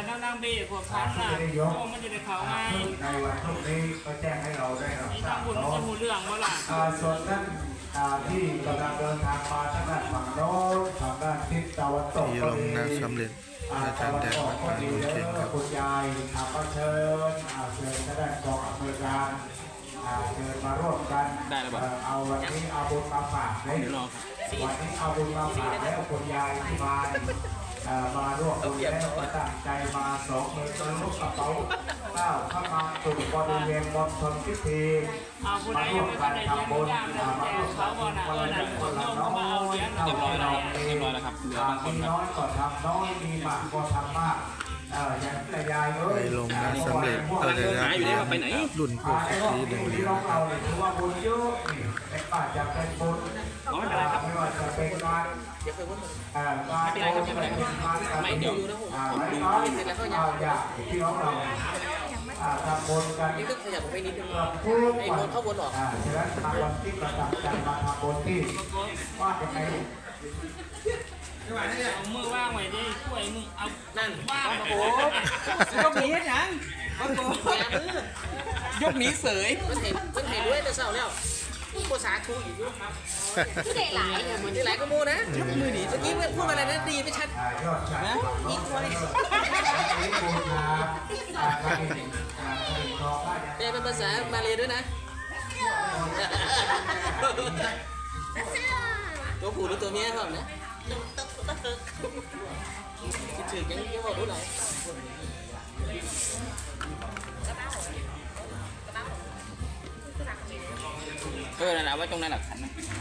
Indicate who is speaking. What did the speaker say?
Speaker 1: แล้วนางเบพวกพันน่ะพวกมันจะได้เขาง่าย
Speaker 2: ในวันพรุ่งนี้ก็แจ้งให้เราได้รับทรา
Speaker 1: ทา
Speaker 2: บ
Speaker 1: งบุญมันจะหูเรื่องว่าล่ะ
Speaker 2: ส่วนท่านที่กำลังเดินทางมาทางด้านฝั่งโน้นทางด้านทิศตะวันตก
Speaker 3: ที่ลงนาสำเร็จอาจารย์แดงวัดป่าโนนเข่งครับ
Speaker 2: คุณยายก็เชิญเชิญทางด้านกองอำนวยการเชิญมาร่วมกันเอาวันนี้เอาบุญมาฝากเลยวันนี้เอาบุญมาฝากแล้วคุณยายที่มาร่วมบุญแล้วตั้งใจมา2 มือทะลุกระเป๋าก้าวเข้ามาสู่บริเวณมณฑลพิธีมาร่วมกันทำบุญมาร่วมกันคนละนิดคนละน้อยเรียบร้อยแล้วครับเหลือบางคนน้อยก็ทำน้อยมีมากก็ทำมากอย่างแต่ยาย
Speaker 3: ไปลงนาสำเร็จเดี๋ยวรุ่นพวกที่เดินเรียนนะครับ
Speaker 2: ถือว่าบุญเยอะนี่แต่ป้าจะเป็นบุญไม่ว่าจะเป็นการการโอนเป็นการไม่เดี๋ยวน้อยอย่างที่น้องเราทำบุญกันนี่ก็ขยับไปนิดนึงทุกวันเข้าบนหรอฉะนั้นทำวันที่ประดับใจมาทำบุญที่ว่ายังไง
Speaker 1: เอามือว่างไว้ดิช่วยมึงเอานั่นว่างโอ้
Speaker 4: ยกหนียังยกหนีเสย
Speaker 5: มันเห็นด้วยแต่เศร้าแล้วภาษาทูอีกด้วยครับที่ไหนหลายที่หลายก็มูนะยกมือหนีเมื่อกี้พูดอะไรนะดีไม่ชัดนะอีกคนเป็นภาษามาเลยด้วยนะตัวผู้หรือตัวเมียครับนะคิดถึงยังบอกรู้ไหนนั่นแหละไว้ตรงนั้นหลักฐานนะ